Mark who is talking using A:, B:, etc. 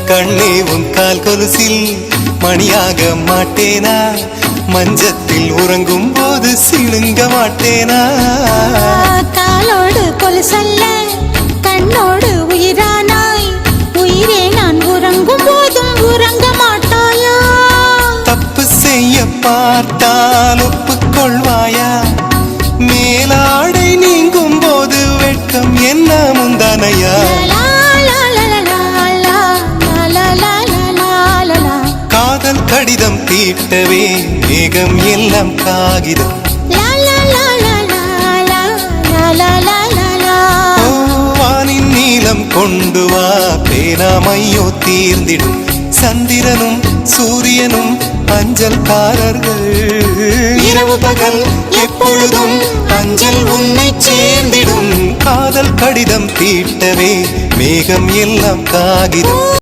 A: கண்ணே உன் கால் கொலுசில் மணியாக மாட்டேனா? மஞ்சத்தில் உறங்கும் போது சிணுங்க மாட்டேனா?
B: காலோடு கொலுசல்ல கண்ணோடு உயிரானாய், உயிரே நான் உறங்கும் போதும் உறங்க மாட்டாயா?
A: தப்பு செய்ய பார்த்தால் ஒப்புக்கொள்வாயா? மேலாடை நீங்கும் போது வெட்கம் என்ன முந்தானையா? காதல் கடிதம் தீட்டவே மேகம் எல்லாம் காகிதம். வானின் நீளம் கொண்டு வா, பேராமையோ தீர்ந்திடும். சந்திரனும் சூரியனும் அஞ்சல்காரர்கள். இரவு பகல் எப்பொழுதும் அஞ்சல் உன்னை சேர்ந்திடும். காதல் கடிதம் தீட்டவே மேகம் எல்லாம் காகிதம்.